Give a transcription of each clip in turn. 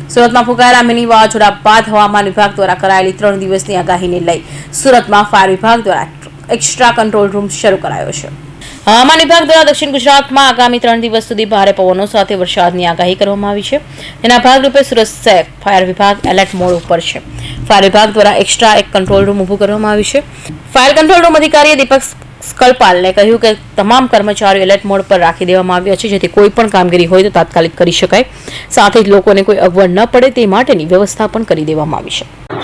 સુરતમાં ફૂંકાયેલા મિની વાવાઝોડા બાદ હવામાન વિભાગ દ્વારા કરાયેલી 3 દિવસની આગાહીને લઈ સુરતમાં ફાયર વિભાગ દ્વારા એક્સ્ટ્રા કંટ્રોલ રૂમ શરૂ કરાયો છે। હવામાન વિભાગ દ્વારા દક્ષિણ ગુજરાતમાં આગામી 3 દિવસ સુધી ભારે પવનો સાથે વરસાદની આગાહી કરવામાં આવી છે। તેના ભાગરૂપે સુરત શહેર ફાયર વિભાગ એલર્ટ મોડ ઉપર છે। ફાયર વિભાગ દ્વારા એક્સ્ટ્રા એક કંટ્રોલ રૂમ ઊભું કરવામાં આવ્યું છે। ફાયર કંટ્રોલ રૂમ અધિકારી દીપક સ્કલપાલને કહ્યું કે તમામ કર્મચારીઓ એલર્ટ મોડ પર રાખી દેવામાં આવ્યા છે, જેથી કોઈ પણ કામગીરી હોય તો તાત્કાલિક કરી શકાય, સાથે જ લોકોને કોઈ અગવડ ન પડે તે માટેની વ્યવસ્થા પણ કરી દેવામાં આવી છે।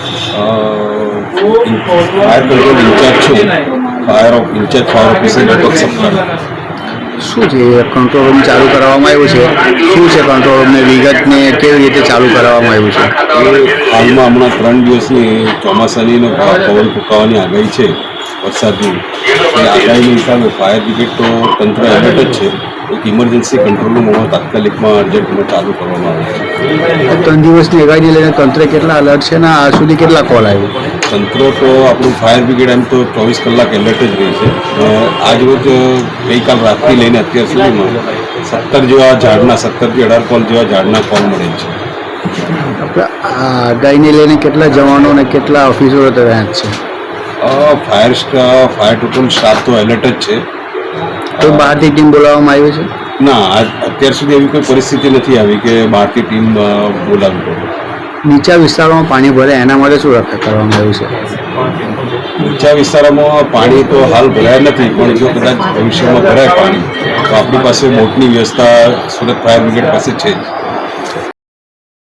फायर कंट्रोल इंचार्ज छे फायर ऑफिसर दीपक सप्ताह શું છે કંટ્રોલ રૂમ ચાલુ કરવામાં આવ્યું છે? શું છે કંટ્રોલ રૂમને વિગતને કેવી રીતે ચાલુ કરવામાં આવ્યું છે? હાલમાં હમણાં 3 દિવસની ચોમાસાની અને પવન ફૂંકાવાની આગાહી છે, વરસાદની એ આગાહીના હિસાબે ફાયર બ્રિગેડ તો તંત્ર એલર્ટ જ છે। એક ઇમરજન્સી કંટ્રોલ રૂમ હમણાં તાત્કાલિકમાં અર્જન્ટમાં ચાલુ કરવામાં આવે છે। 3 દિવસની આગાહીને લઈને તંત્ર કેટલા અલર્ટ છે ને આ સુધી કેટલા કોલ આવ્યો? તંત્ર તો આપણું ફાયર બ્રિગેડ એમ તો 24 કલાક એલર્ટ જ રહે છે। આજ રોજ ગઈકાલ રાતથી લઈને અત્યાર સુધીમાં 17 જેવા ઝાડના 17 થી 18 કોલ જેવા ઝાડના કોલ મળે છે। આ આગાહીને લઈને કેટલા જવાનો અને કેટલા ઓફિસરો તૈયાર છે? ફાયર ટોટલ સ્ટાફ તો એલર્ટ જ છે। તો બહારથી ટીમ બોલાવવામાં આવી છે? ના, અત્યાર સુધી એવી કોઈ પરિસ્થિતિ નથી આવી કે બહારથી ટીમ બોલાવવી પડે। નીચા વિસ્તારોમાં પાણી ભરે એના માટે શું રક્ષા કરવામાં આવ્યું છે? નીચા વિસ્તારોમાં પાણી તો હાલ ભરાયા નથી, પણ જો કદાચ ભવિષ્યમાં ભરાય પાણી તો આપણી પાસે બોટની વ્યવસ્થા સુરત ફાયર બ્રિગેડ પાસે છે જ।